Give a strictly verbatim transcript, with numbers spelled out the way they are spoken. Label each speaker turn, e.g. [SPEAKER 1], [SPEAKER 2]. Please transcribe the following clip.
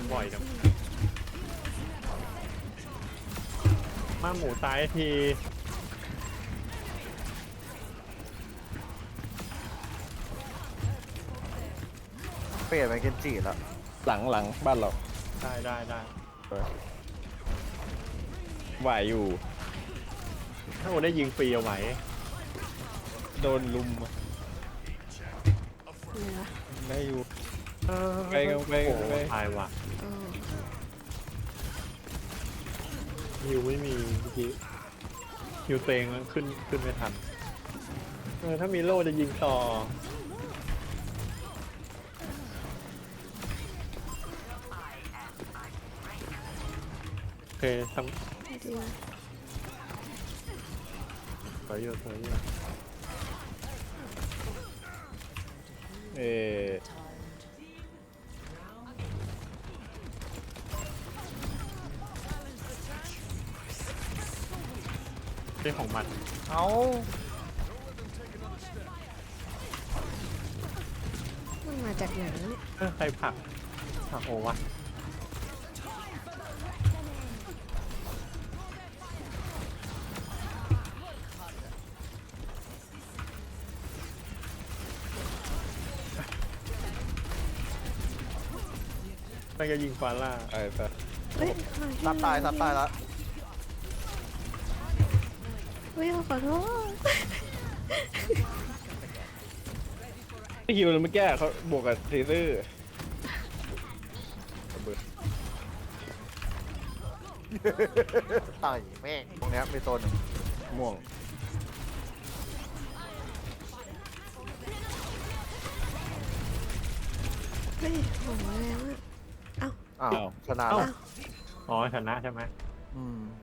[SPEAKER 1] บ่อยจังมาหมูตายที
[SPEAKER 2] เปลี่ยนเป็นเกนจิแล้ว
[SPEAKER 3] หลังหลังบ้านเรา
[SPEAKER 1] ได้ได้ได้
[SPEAKER 3] ไหวอยู่
[SPEAKER 1] ถ้าโอได้ยิงฟรีเอาไหม
[SPEAKER 3] โดนลุมอะ
[SPEAKER 4] อะไรวะ
[SPEAKER 3] ได้อยู่
[SPEAKER 1] เออ
[SPEAKER 3] ไปกันไปกัน
[SPEAKER 1] โอ้
[SPEAKER 3] ไป
[SPEAKER 1] ตายว่ะ
[SPEAKER 4] เออ
[SPEAKER 1] ฮิวไม่มีเมื่อกี้ฮิวเตงแล้วขึ้นขึ้นไม่ทันเออถ้ามีโล่จะยิงต่อโอเคทำ
[SPEAKER 4] ไม่ดีวะ
[SPEAKER 1] สวยอยู่สวยอยู่
[SPEAKER 3] เออ
[SPEAKER 1] เรื่องของมัน
[SPEAKER 2] เอ้า
[SPEAKER 4] มันมาจากไหนวะเนี่ย
[SPEAKER 1] เออใครผลักผลักโอวะมันจะยิงฟาร่า
[SPEAKER 3] ไปไป
[SPEAKER 4] เฮ้ย
[SPEAKER 2] ซัดตายซัดตายแล้ว
[SPEAKER 4] เฮ้ยขอโทษ
[SPEAKER 3] ไอ้ฮิวเลยเมื่อกี้เขาบวกกับเทเซอร์ระเบิด
[SPEAKER 2] ตายแม่งตรงเนี้ยมีตัวหนึ่ง
[SPEAKER 3] ม่วง
[SPEAKER 4] เฮ้ยโหแล้วอะเอ้า
[SPEAKER 2] อ้าวชนะ
[SPEAKER 1] เอ้า
[SPEAKER 2] แล้ว
[SPEAKER 1] อ๋อชนะใช่ไหม
[SPEAKER 2] อืม